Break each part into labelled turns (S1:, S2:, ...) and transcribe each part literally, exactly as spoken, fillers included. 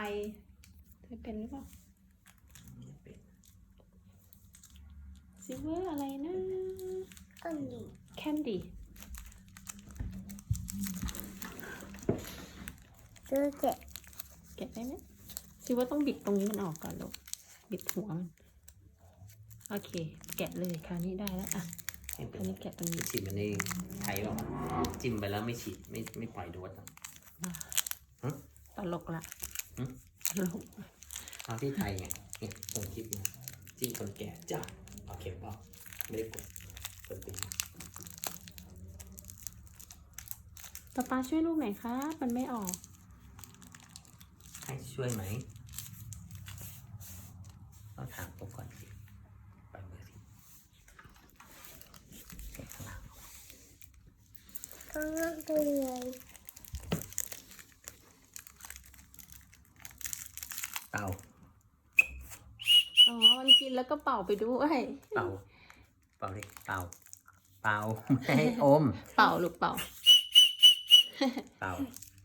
S1: เธอเป็นหรือเปล่า
S2: ไม่เป็น
S1: ซิลเวอร์อะไรนะ
S3: อันนี้
S1: แคนดี้
S3: ซื้อเจ็ด
S1: แกะได้ไหมซิลเวอร์ต้องบิดตรงนี้มันออกก่อนลูกบิดหัวมันโอเค แกะเลยคราวนี้ได้แล้วอ่ะ
S2: ไม่เป็
S1: คราน วนี้แกะตรงนี้
S2: ฉีดมันเองไทยหรอกจิ้มไปแล้วไม่ฉีดไม่ไม่ปล่อยโดสอ่ะ ฮะ
S1: ตลกละ
S2: หึ
S1: ตลก
S2: เอาที่ไทยไงเนี่ยส่งคลิปมาจิ้มคนแก่จ้าเอาเข็มเปล่าไม่ได้กดกดปิด
S1: ป๊าป๊าช่วยลูกหน่อยครับมันไม่ออก
S2: ให้ช่วยไหมต้องถามผมก่อนสิไปมือสิแกะข้างหลัง
S3: ข้างล่างไปเลย
S2: เป่า
S1: อ๋อมันกินแล้วก็เป่าไปด้วย
S2: เป่าเป่าดิเป่าเป่าไม่ให้อม
S1: เป่าลูกเป่า
S2: เป่า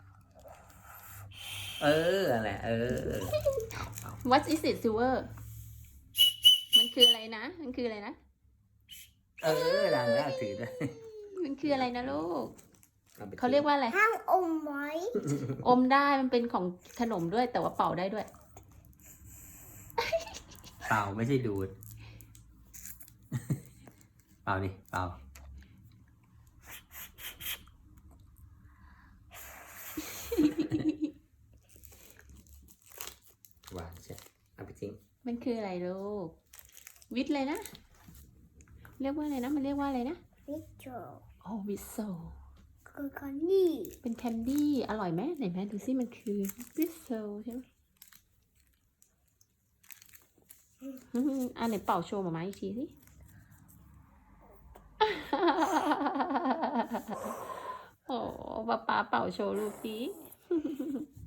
S2: เอออะไรเออเป่าเป่า
S1: What is it Silver มันคืออะไรนะ มันคืออะไรนะ
S2: เออดังแล้วถือด้วย
S1: มันคืออะไรนะลูก
S2: อไป
S1: เขาเรียกว่าอะไร
S3: ห้ามอมไว้
S1: อมได้มันเป็นของขนมด้วยแต่ว่าเป่าได้ด้วย
S2: เป่าไม่ใช่ดูด เป่าดิเป่าหวานใช่เอาไปทิ้ง
S1: มันคืออะไรลูก วิทอะไรนะ เรียกว่าอะไรนะ มันเรียกว่าอะไรนะ
S3: วิจอ
S1: อ๋อวิโซ
S3: คือคนนี้
S1: เป็นแคนดี้อร่อยไหมไหนแม่ดูซิมันคือวิโซใช่ไหมอืมอันไหนเป่าโชว์หมามาอีกทีสิ โอ้ป๊าป๊าเป่าโชว์ลูกสิ